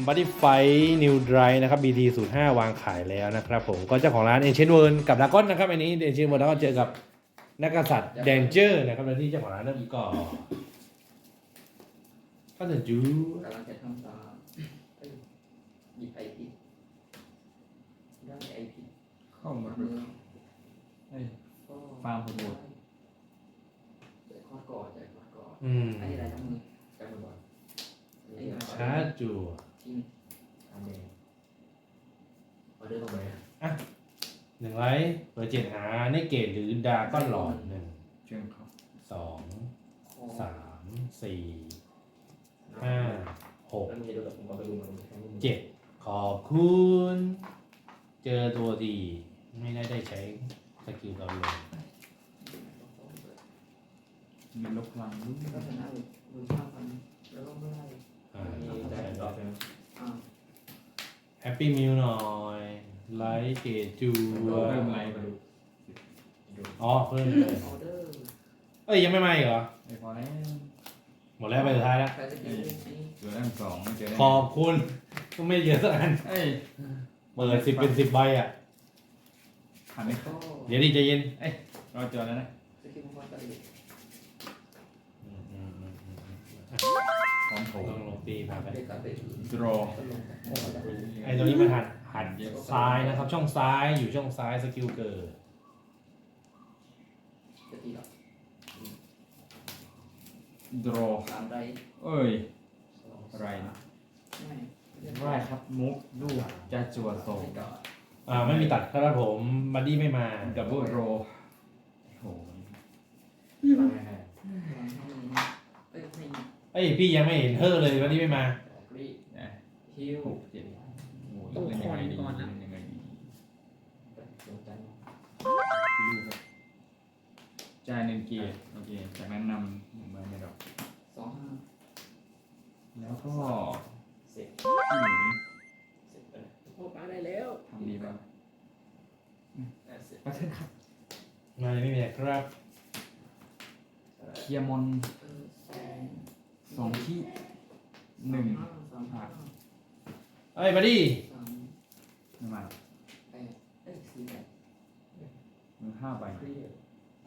Body Fight New Dry นะครับ BT 05วางขายแล้วนะครับผมก็เจ้าของร้าน Ancient World กับดากอนนะครับอันนี้ Ancient World แล้วก็เจอกับนักกษัตริย์ Danger นะครับแล้วที่เจ้าของร้านเริ่มก่อนก็จะจูกำลังจะทำตามหยิบไอพิษได้ไอพิษเข้ามามือฟาร์มผลบุตรใจคอดก่อนใจคอดก่อนๆอันนี้อะไรทั้งมือใจมือบอลชาร์จจัวทิ้งทำเองออเดอร์ตรงไหนอ่ะหนึ่งไลท์เปิด7หาในเกตหรือดาก้อนหลอด1 เชิญครับ 2 คอ 3 4 5 6 แล้วมีดูกับผมมาไปดูมันแค่นี้ 7ขอบคุณ เจอตัวดีไม่ได้ใช้สกิลเราเลยมีลบพลังด้วยก็ชนะดูภาพมันแล้วก็ไม่ได้มีได้ดอกนึงแฮปปี้มิวหน่อย ไลท์เกตจูเริ่มไล่มาดูอ๋อเพิ่มเลยออเดอร์เอ้ยยังไม่มาอีกเหรอไอ้พอแล้วหมดแล้วไปสุดท้ายแล้วใครจะกินนี่เหลือตั้ง2ไม่เจอได้ขอบคุณก็ไม่เยอะสักอันเอ้ยเปิด10เป็น10ใบอ่ะผ่านไหมก็เดี๋ยวดิใจเย็นรอเจอแล้วนะสกิลมังกรตะลิพร้อมโถต้องลงตีพาไปเด็กกับเด็กดรอตลงโอ้โหตะลิไอ้ตัวนี้มันหันซ้ายนะครับ ช่องซ้ายอยู่ช่องซ้ายสกิลเกิดจะตีหรอดรอตามไรเอ้ยอะไรนะไม่ไรครับมุกลูกจะจั่วโซไม่ก่อนไม่มีตัดครับผมบัดดี้ไม่มาดับเบิลโรโหตั้งให้ไม่เอ้ยพี่ยังไม่เห็นเธอเลยบัดดี้ไม่มากรีนะฮิว 6 7โอ้ยเล่นยังไงดีเล่นยังไงดีสนใจลูกครับจ่าย1 เกียร์โอเคจากนั้นนำ1ใบในดอก 25 แล้วก็เสร็จที่หนีเสร็จไปโอ้ป้าได้แล้วทำดีป่ะเสร็จประเทศครับมาไม่มีครับเคลียร์มอน 2 ที่ 1 เอ้ยบัดดี้ไม่มาหรอก มือ5 ใบเครียด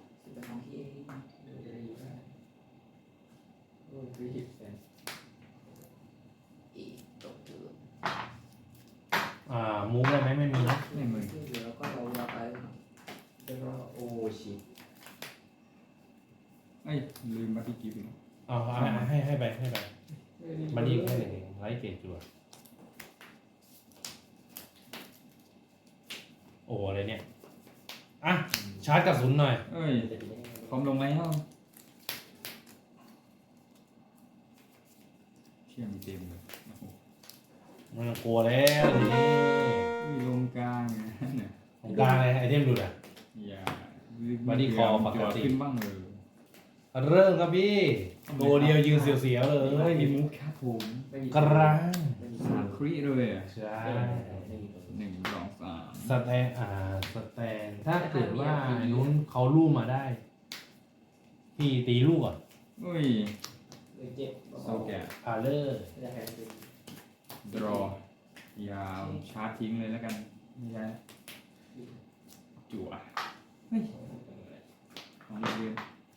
โอ้ยเครียดแฟนมูฟได้ไหมไม่มีนะไม่มือแล้วก็เราไปแล้วก็โอ้ชิตเอ้ยลืมบัตตี้กิฟต์อีกเอาให้ไปบัดดี้ให้หนึ่งไลท์เกตจัวโอ้อะไรเนี่ยอ่ะชาร์จกระสุนหน่อยเอ้ยจะดีได้ไงพร้อมลงแล้วเชี่ยมีเต็มเลยโอ้โหมันกลัวแล้วทีนี้อุ้ยลงกลางเนี่ยของกลางเลยไอเทมดูดอ่ะอย่า Body call ปกติขึ้นบ้างเลยเริ่มครับพี่ตัวเดียวยืนเสียวๆเลเฮ้ยยมีมุกครับผมไม่มีกลาง 3 ครีด้วยอ่ะใช่ไม่มีตัว 1 2 3 สแตนถ้าเกิดว่าไอ้นู้นเขาลู่มาได้ พี่ตีลูกก่อนอุ้ยเลยเจ็บโซแกะพาเลอร์ไม่ได้แพ้จริงดรอยาวชาร์จทิ้งเลยแล้วกันไม่ใช่จั่วเฮ้ยของเรียน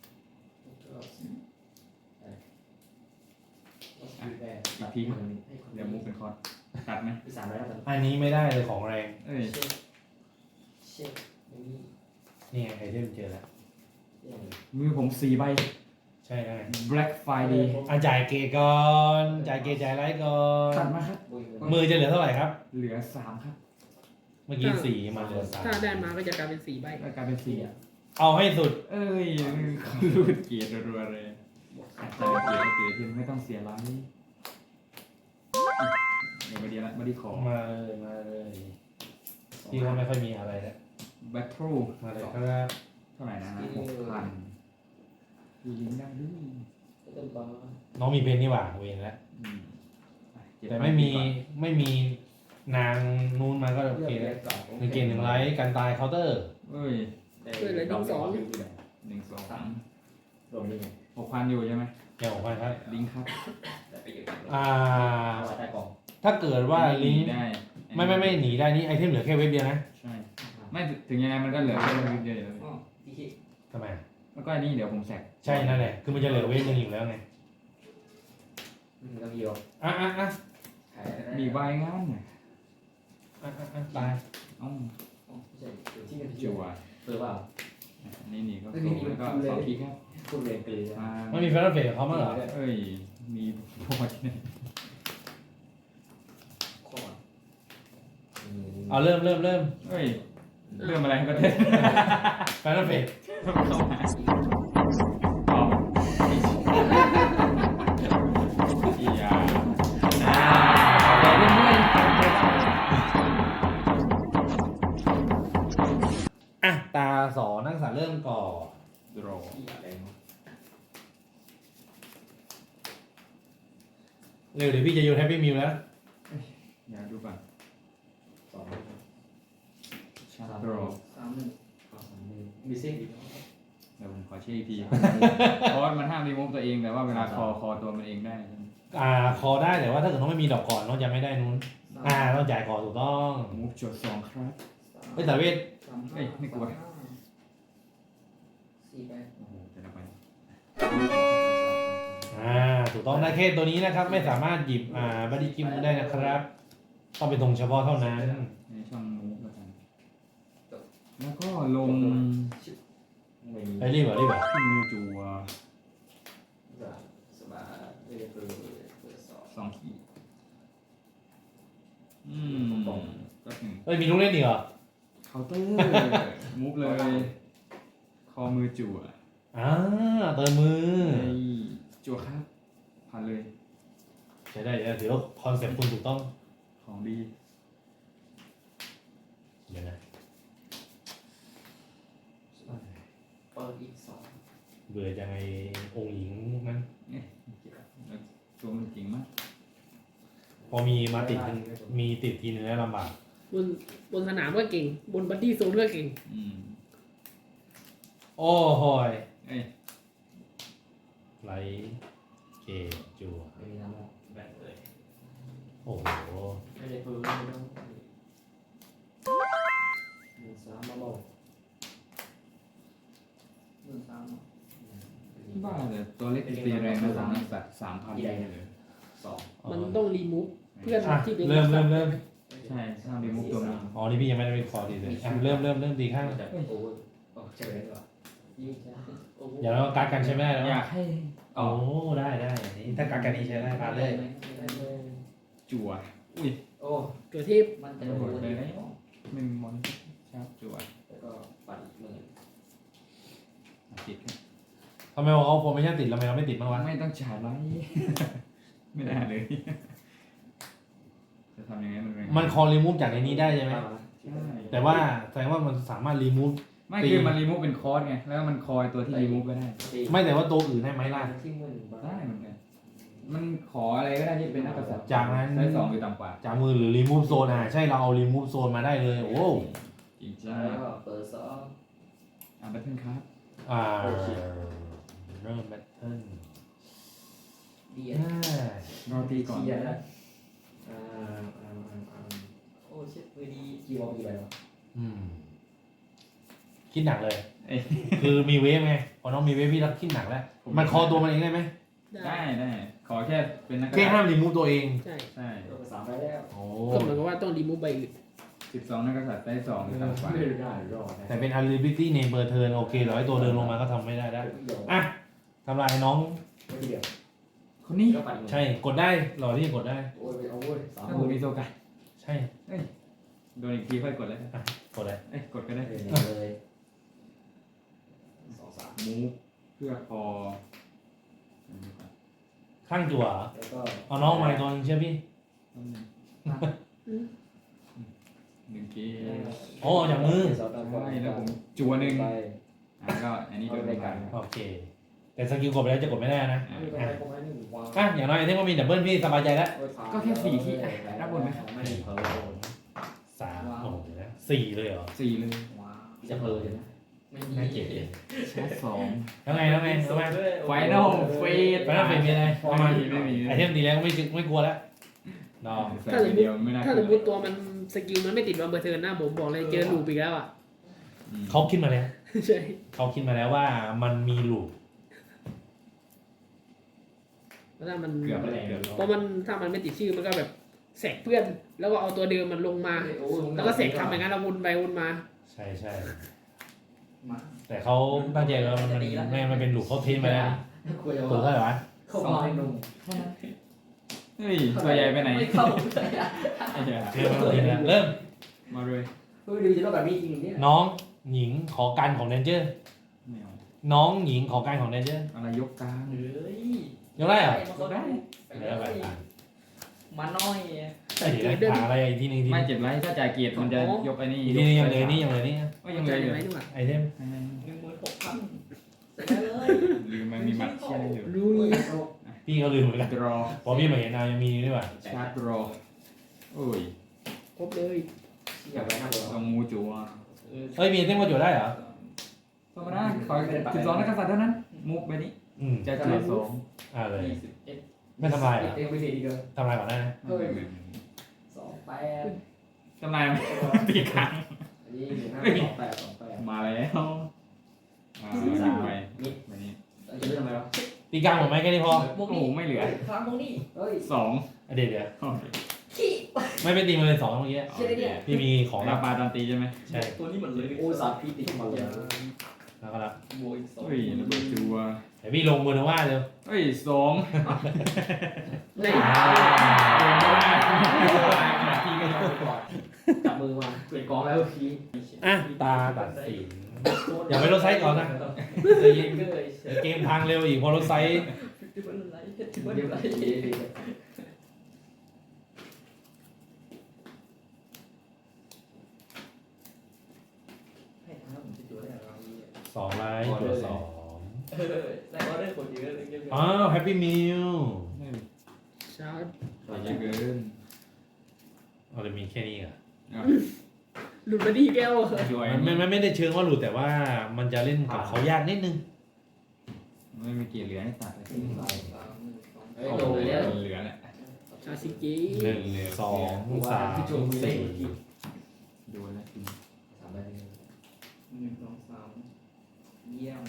อีกทีเดี๋ยวมุกเป็นคอร์ดตัดไหมที่3แล้วกันอันนี้ไม่ได้เลยของแรงเอ้ยเช็คไม่มีนี่ไงไอเทมเจอแล้วอย่างมือผม4 ใบใช่ไง Black Friday จ่ายเกตก่อนจ่ายเกตจ่ายไรก่อตันดมาครับมือจะเหลือเท่าไหร่ครับเหลือ 3 ครับเมื่อกี้สี่มาเหลือสามถ้าได้มาก็จะกลายเป็น4ใบก็กลายเป็น4อ่ะเอาให้สุดเอ้ยรูดเกียร์รัวๆเลยแต่เกียร์ที่ไม่ต้องเสียไลท์เดี๋ยวมาดีละมาดีขอมาเลยพี่เขาไม่ค่อยมีอะไรแล้ว Battle มาเลยครับเท่าไหร่นะ6,000มีลิงก์ได้ด้วยเต็มบ้าน้องมีเพนนี่หว่าเวนแล้วอืมแต่ไม่มีนางนูนมาก็โอเคแล้วหนึ่งเกมหนึ่งไลท์การตายเคาน์เตอร์เอ้ย 1 2 1 2 3 รวมนี่ไง 6,000อยู่ใช่ไหมแกบอกว่าครับลิงก์ครับแต่ไปอยู่อ่าเอาไว้ใต้กล่องถ้าเกิดว่าลิงก์ได้ไม่หนีได้นี่ไอเทมเหลือแค่เว็บเดียวนะใช่ไม่ถึงยังไงมันก็เหลือแค่เว็บเดียวอยู่แล้วอ๋อที่คิดทำไมแล้วก็อันนี้เดี๋ยวผมแสกใช่นั่นแหละคือมันจะเหลือเว็บหนึงอยู่แล้วไงต้องเยียวอ่ะขายได้มีใบงานน่ะตายอ้ออ๋อไม่ใช่อยู่ที่จั่วเปิดเปล่าอันนี้นี่ก็โกงแล้วก็สองคลิกครับพูดเรียนกลืนมามันมีแฟนเพจของเขามั้างเหรอเอ้ยมีพอที่ไหนคอร์ดเอาเริ่มเอ้ยเรื่องอะไรก็ได้แฟนเพจเข้ามาอ๋ออียาเล่นด้วยอ่ะตาสอนักศึกษาเริ่มก่อนดรอที่อะไรเนาะเร็วเดี๋ยวพี่จะโยนแฮปปี้มิวแล้วอยากดูก่อนสองชาร์ดรอ 31มีเส้นอีกแล้วเดี๋ยวผมขอเช็คอีกที เพราะว่ามันห้ามรีมูฟตัวเองแต่ว่าเวลาคอตัวมันเองได้คอได้แต่ว่าถ้าเกิดน้องไม่มีดอกก่อนน้องจะไม่ได้นู้นต้องจ่ายก่อนถูกต้องมูฟจดสองครับเฮ้ยแต่เวทเอ้ยไม่กลัว 4ไปโอ้โหแต่ละใบถูกต้องได้แค่ตัวนี้นะครับ ไม่สามารถหยิบบัดดี้กิมได้นะครับ ต้องเป็นธงเฉพาะเท่านั้นในช่องมูฟแล้วกันแล้วก็ลงไม่มีไปรีบเหรองูจัวสบายไม่ได้เปิดสอบสองขีดก็หนึ่งเฮ้ยมีลูกเล่นอีกเหรอเคาน์เตอร์มูฟเลย คอมือจั่วเติมมือไอ้จั่วครับผ่านเลยใช้ได้ถือว่าคอนเซ็ปต์คุณถูกต้องของดีเดี๋ยวนะเปิดอีก2 เบื่อจังไอองค์หญิงนั้นแล้วตัวมันจริงมากพอมีมาติดมีติดทีนึงแล้วลำบากบนสนามก็เก่ง บนบัดดี้โซนก็เก่งโอ้โหยเอ้ยไลท์เกตจัวไม่มีน้ำแบ่งเลยโอ้โหไม่ได้เปิดไม่ต้อง13มาบอก13 บ้าเลยตัวเล็กตีแรงนะสามนักสัตว์3,000เลยสองมันต้องรีมูฟเพื่อนที่เป็นเริ่มใช่ห้ามรีมูฟตัวนี้อ๋อนี่พี่ยังไม่ได้ไปคอดีเลยเริ่มตีข้างจากโอเวอร์ใช่ไหมก่อนยี่สิบโอ้โหอย่าเราการกันใช้ไม่ได้แล้วอยากให้โอ้ได้ถ้าการกันนี้ใช้ได้ผ่านเลยจั่วอุ้ยโอ้ตัวเทพมันจะระโดเบิดนเลยไหมนะไม่มีมอนครับจั่วแล้วก็ปัดอีกมือติดครับทำไมเขาโฟร์ไม่ใช่ติดทำไมเราไม่ติดบ้างวะไม่ต้องฉายไลท์ไม่ได้เลย จะทำยังไงมันเป็นมันคอรีมูฟจากในนี้ได้ใช่ไหมใช่แต่ว่าแสดงว่ามันสามารถรีมูฟไม่คือมันรีมูฟเป็นคอร์สไงแล้วมันคอยตัวที่รีมูฟก็ได้ไม่แต่ว่าตัวอื่นได้ไหมล่ะที่มือได้เหมือนกันมันขออะไรก็ได้ที่เป็นนักกษัตริย์จากนั้นได้2หรือต่ำกว่าจากมือหรือรีมูฟโซนใช่เราเอารีมูฟโซนมาได้เลยโอ้จริงแล้วก็เปิด2 แบทเทิลครับเริ่มแบทเทิลดีรอตีก่อนเชียร์นะโอ้เช็ดมือดีกี่วอลกี่ใบวะคิดหนักเลยเอ้ยคือมีเวฟไงพอน้องมีเวฟพี่รักคิดหนักแล้วมันคอตัวมันเองได้ไหมได้ขอแค่เป็นนักกษัแค่ตริย์ห้ามรีมูฟตัวเองใช่ใช่ตัว3ไปแล้วโอ้ก็เหมือนกับว่าต้องรีมูฟใบอื่น 12นักกษัตริย์ได้2หรือต่ำกว่าไม่ได้รอดนะแต่เป็น ability name per turn โอเคร้อยตัวเดินลงมาก็ทำไม่ได้แล้วอ่ะทำลายน้องไม่เดียวคนนี้ก็ปัดใช่กดได้หล่อที่กดได้โอ้ยเอาเว้ยสามถ้าผมมีโซกันใช่โดนอีกทีค่อยกดเลยกดได้กดก็ได้เลย2-3 มูฟเพื่อพอข้างจั่วเหรอแล้วก็เอาน้องมาตัวนึงเชื่อพี่ 1เกมโอ้จากมือใช่แล้วผมจัวหนึ่งก็อันนี้โดนในการโอเค แต่สกิลกดไปแล้วจะกดไม่ได้นะประมาณ1วางอย่างน้อยไอเทมก็มีดับเบิลพี่สบายใจแล้วก็แค่4ที่รับบนไหมไม่เพอ 3โอ้โหนะ4เลยเหรอ 4เลยว้าวจะเพอเลยนะไม่มีน่าเกลียดชาร์จ2 แล้วไงทำไมไฟนอลเฟสไปแล้วเป็นมีอะไรเอามาไม่มีไอเทมดีแล้วไม่กลัวแล้วดอกใส่เดียวไม่น่าถ้าสมมติตัวมันสกิลมันไม่ติดวันเบอร์เทิร์นนะผมบอกเลยเจอลูปอีกแล้วอ่ะเขาคิดมาแล้วใช่เขาคิดมาแล้วว่ามันมีลูกเพราะถ้ามันเกือบไปเกือบเพราะมันถ้ามันไม่ติดชื่อมันก็แบบแสกเพื่อน แล้วก็เอาตัวเดิมมันลงมา แล้วก็เสกทำอย่างนั้นเราวนไปวนมาใช่ใช่มาแต่เขาตั้งใจว่ามันแม่มันเป็นลูกเขาเทสมาแล้วคุยถูกเท่าไหร่วะเข้ามาหนุ่มเฮ้ยตัวใหญ่ไปไหนไม่เข้าเลยไอ้เหี้ยเทสมาแล้วทีนะเริ่มมาเลยเฮ้ยดูจะต้องแบบนี้จริงเนี่ยน้องหญิงขอการของเดนเจอร์ไม่เอาน้องหญิงขอการของเดนเจอร์อะไรยกกลางเฮ้ยยกได้เหรอได้เดี๋ยวไปอ่านมาน้อยเดี๋ยวหาอะไรอีกทีหนึงทีไม่เจ็บไรถ้าจ่ายเกียรติมันจะยกไอ้นี่อีกทีหนึงยังเลยนี่ยังเลยนี่ก็ยังเลยอยู่ไหมดีกว่าไอเทม 16,000ใส่ได้เลยลืมมันมีมัดเชี่ยอยู่รู้นี่พี่เขาลืมเหมือนกันดรอพอพี่มาเห็นนาวยังมีนี่ด้วยว่ะชาร์จรอโอ้ยครบเลยอย่าไปนะต้องมูจัวเฮ้ยมีไอเทมก็จุดได้เหรอธรรมดาขอ12นักกษัตริย์เท่านั้นมุกไปนี้อืมจะเกียรติ2 เลย 21 ไม่ทำลายเหรอเองไปสิดีเกินทำลายก่อนได้นะเฮ้ย28 ทำลายมันตีครั้งอันนี้28 มาแล้วไปไปนี้ 28จะเลือกทำไมวะตีกลางหมดไหมแค่นี้พอโอ้โหไม่เหลือครั้งตรงนี้เฮ้ย 2 เดี๋ยวโอเคขี้ไม่ไปตีมาเลยสองเมื่อกี้ใช่ได้เนี่ยพี่มีของของรัราบปาตอนตีใช่ไหมใช่ตัวนี้เหมือนเลยโอ้สาพิษติดมาเลยแล้วก็รับโบยสองเฮ้ยระเบิดจัวเดี๋ยวพี่ลงมือนะว่าเร็วเฮ้ย2 ในจับมือมาเปลี่ยนกองแล้วพี่อ่ะตาตัดสินอย่าไปลดไซส์ก่อนนะใจเย็นเดี๋ยวเกมพังเร็วอีกพอลดไซส์เดี๋ยวไร 2ไลท์ตัว2 ได้ออเดอร์คนเยอะเลยอ้าวแฮปปี้มิลชาร์จเยอะเกินเอาเลยมีแค่นี้อ่ะหลุดมาดีแก้วช่วยมันไม่ได้เชิงว่าหลุดแต่ว่ามันจะเล่นกับเขายากนิดนึงไม่มีเกียร์เหลือให้ตัดเลยเฮ้ยโดนเลยเหลือแหละชาซิเก 1 2 3 4 ดูแล้วกิน 1 2 3เยี่ยม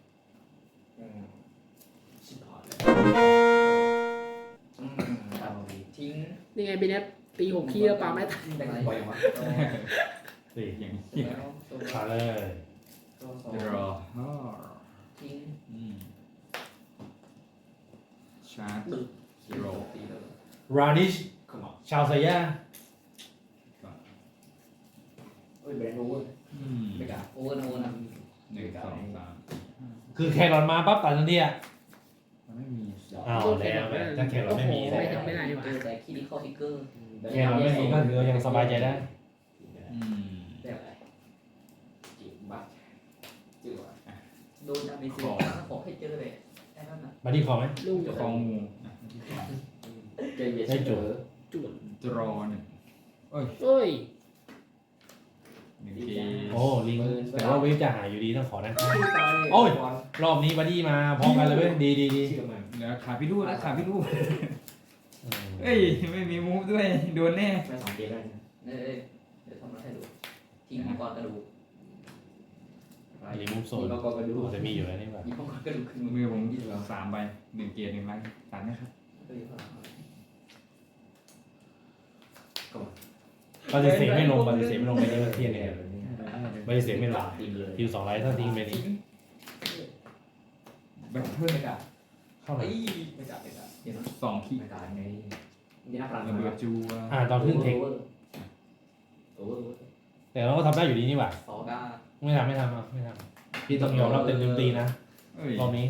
ชิบหายแล้วทิ้งนี่ไงเป็นแอปตี6คีแล้วปาไม่ทันแบ่งปล่อยวะ 4 อย่างนี้แล้วตัวขาเลยรอทิ้งชาร์จโรรานิชชาวไซย่าเฮ้ยแบรนด์โอเวอร์ไม่กล้าโอเวอร์นะโอเวอร์นะ 1 2 3 คือแครอทมาปั๊บตัดทันทีอ่ะมันไม่มีอ้าวแล้วแบบถ้าแครอทไม่มีไม่ทำไม่ได้ดีกว่าแต่คีย์เข้าทิกเกอร์แครอทไม่มีก็คือยังสบายใจได้แบบอะไรจิบบัตจิ๋วโดนดาเมจขอให้เจอเลยแค่นั้นนะมาที่คอไหมลุงคองงูใจเย็นได้จุดจวดดรอหนึ่งเอ้ย 1เกมโอ้ลิงแต่ว่าเวฟจะหายอยู่ดีต้องขอนะ โอ้ย รอบนี้บัดดี้มาพร้อมกันเลยเว้ยดีดีดีเชื่อมันแล้วขาพี่ลูกแล้วขาพี่ลูกอืมเอ้ยไม่มีมูฟด้วยโดนแน่ไม่2เกมได้เอ้ยเดี๋ยวทำมาให้ดูทิ้งมังกรกระดูกรีมูฟโซนมังกรกระดูกจะมีอยู่แล้วนี่แบบมีมังกรกระดูกขึ้นมือผม3ใบ1เกียร์1ไลน์ตัดนะครับปฏิเสธไม่ลงปฏิเสธไม่ลงไปนี่มันเทียนเนี่ยปฏิเสธไม่ลงตีเลยคิว2ไลท์ถ้าทิ้งไปนี่แบทเทิลไม่กล้าเข้าไหนไม่กล้าไม่กล้าเห็นไหม 2ขีดไม่กล้าไงมีหน้าพลังระเบิดจัวตอนขึ้นเทคโอเวอร์แต่เราก็ทำได้อยู่ดีนี่หว่าสองก้าไม่ทำอ่ะไม่ทำพี่ต้องยอมรับเต็มตีนะเอ้ยรอบนี้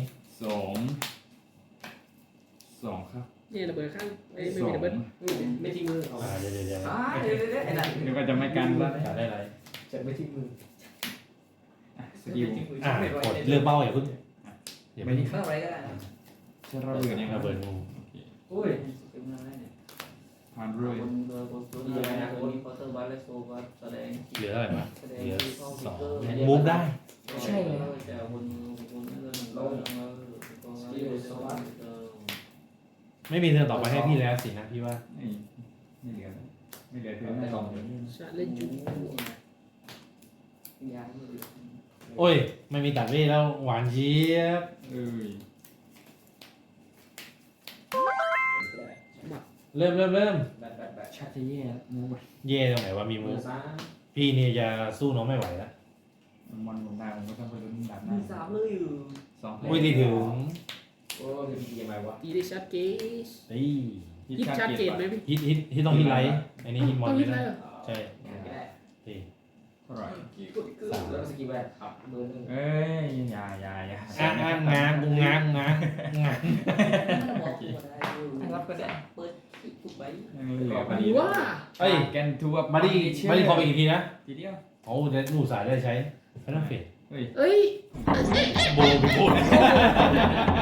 2ครับนี่ระเบิดข้างไม่ 2 มีระเบิดไม่ทิ้งมือเอาเดี๋ยวเดี๋ยวไอ้นั่นเดี๋ยวก็จะไม่กันแล้วตัดได้ไรจะไม่ทิ้งมือสกิลกดเลือกเป้าอย่าเพิ่งอย่าไม่เพิ่งได้เมื่อไรก็ได้นะจะระเบิดยังระเบิดงูอุ้ยเป็นอะไรเนี่ยผ่านเรื่อยบนตัวนี้นะตัวนี้พอเตอร์บัลเลสโซบัสแสดงเหลือเท่าไหร่วะแสดงเหลือที่เข้า 2มูฟได้ใช่เลยแต่บนนั่นเราไม่มีเธอต่อไปให้พี่แล้วสินะพี่ว่าเอ้ยไม่เหลือไม่เหลือเธอไม่ไม่ต้ต้ออง งชาเล่นจูยาไม่เหลือโอ้ย ไม่มีตัดเว่แล้วหวานเจี๊ยบเอ้ยเริ่มแบบชาติแย่มูไปเย่ตรงไหนวะมีมืมืออซ้ายพี่เนี่ยจะสู้น้องไม่ไหวแล้วมันหมดได้ผมก็ต้องไปลุ้นดับหมีน้าสามเลยอยู่สองอุ้ยที่ถึงโอ้ยมียังไงวะตีได้ชาร์จเกสเฮ้ยฮิตชาร์จเกตไหมพี่ฮิตต้องฮิตไลท์อันนี้ฮิตมอนต้องไม่ฮิตได้เลยเหรอใช่งานก็ได้ตีเท่าไหร่กี่กดเกลือแล้วสกิลแวนขับมือหนึ่งเอ้ยอย่าง้างกูง้างรับก็ได้เปิดทุกใบยังเหลือหรือว่าเอ้ยแกนทัวร์มาดิขอไปอีกทีนะทีเดียวโอ้เดี๋ยวหนูสายได้ใช้ไม่ต้องเฟดเฮ้ยเอ้ยโบไปพูด